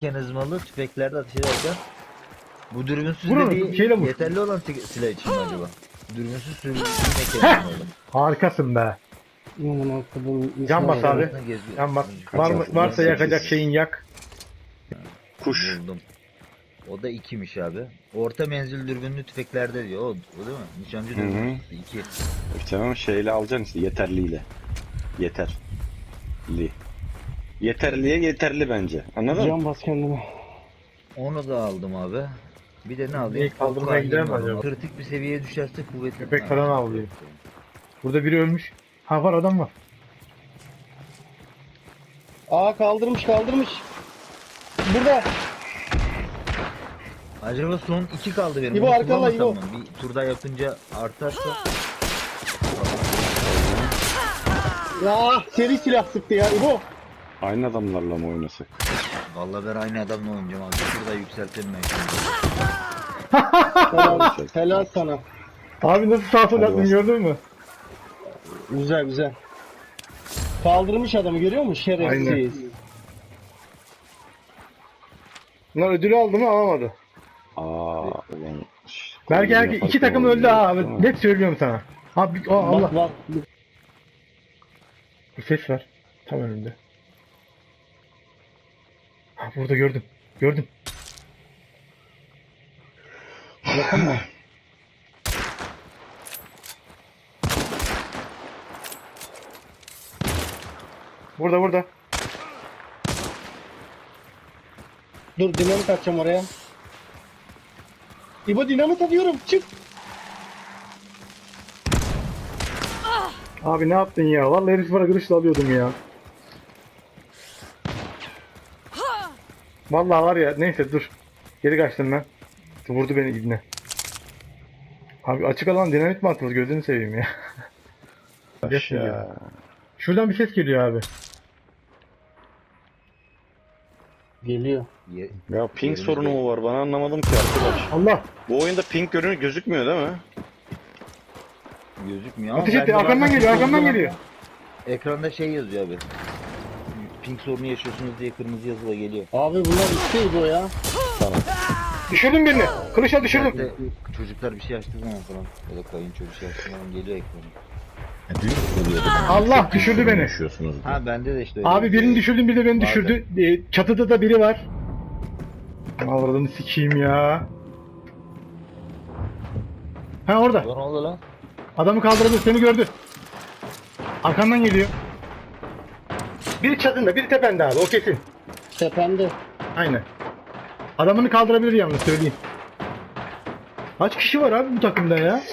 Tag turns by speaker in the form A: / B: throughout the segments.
A: mekanizmalı tüfeklerde ateş ederken bu dürbünsüz
B: Vurun,
A: dediği
B: şeyle vur.
A: yeterli olan silah için mi acaba? Dürbünsüz sürücü mekanizmalı.
B: Harikasın be. Can bas abi. Can bas. Varsa yakacak şeyin yak.
C: Kuş.
A: Buldum. O da 2'miş abi. Orta menzil dürbünlü tüfeklerde diyor. O değil mi? Nişancı dürbünü 2.
C: Tamam şeyle alacaksın işte yeterliyle. Yeterli. Yeterliye yeterli bence. Anladın mı?
D: Can bas kendine.
A: Onu da aldım abi. Bir de ne alayım?
B: İlk kaldırmaya gider mi acaba?
A: Kritik bir seviyeye düşerse kuvvetli.
B: Köpek falan avlıyor. Burada biri ölmüş. Ha var, adam var.
D: Aa kaldırmış. Burada.
A: Acaba son 2 kaldı benim.
D: İbo,
A: Onu
D: arkanda
A: kullanmasam
D: İbo.
A: mı? Bir turda yapınca artarsa.
D: Ya seri silah sıktı ya İbo.
C: Aynı adamlarla mı oynasak?
A: Vallahi ben aynı adamla oynayacağım abi. Şurada yükseltelim belki.
D: Helal sana.
B: Abi nasıl sağ sol yaptın, gördün mü?
D: Güzel. Kaldırmış adamı, görüyor musun? Şerefsiz.
B: Bunlar ödülü aldı mı, alamadı.
C: Ulan.
B: Belki herkes 2 takım öldü ha abi. Net söylüyorum sana. Abi Allah.
D: Bak.
B: Bir ses var. Tam önümde. Ha burada gördüm. Gördüm.
D: Yakın mı?
B: Burada.
D: Dur dinamit atacağım oraya. İbo dinamit atıyorum. Çık.
B: Abi ne yaptın ya? Vallahi herif bana kılıçla alıyordum ya. Vallahi var ya, neyse dur. Geri kaçtım ben. Vurdu beni ibne. Abi açık alan dinamit mi atılır, gözünü seveyim ya.
C: Aşağı.
B: Şuradan bir ses geliyor abi.
D: Geliyor.
C: Ya ping sorunu mu var? Bana anlamadım ki arkadaş.
B: Allah!
C: Bu oyunda ping gözükmüyor değil mi?
A: Gözükmüyor ama
B: Ateş etti,
A: bende
B: arkamdan
A: bazen
B: geliyor,
A: ping
B: arkamdan
A: sorunu-
B: geliyor.
A: Ekranda şey yazıyor abi. Ping sorunu yaşıyorsunuz diye kırmızı yazıla geliyor.
D: Abi bunlar işte İbo ya.
B: Düşürdüm birini. Kılıçla düşürdüm.
A: İşte çocuklar bir şey açtığı zaman falan ya da kayınço bir şey açtığı zaman geliyor ekrana.
B: Allah düşürdü beni.
A: Ha bende de işte öyle.
B: Abi birini düşürdüm, bir de beni
A: Bazen.
B: düşürdü. Çatıda da biri var. Avradını sikeyim ya. Ha orada.
A: Ne oldu lan?
B: Adamı kaldırdı, seni gördü. Arkandan geliyor. Biri çatında, biri tepende abi, o kesin.
D: Tepende.
B: Aynen. Adamını kaldırabilir yalnız, söyleyeyim. Kaç kişi var abi bu takımda ya?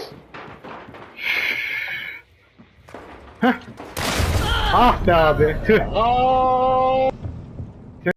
B: Heh. Ah be abi. Tüh.
D: Aa!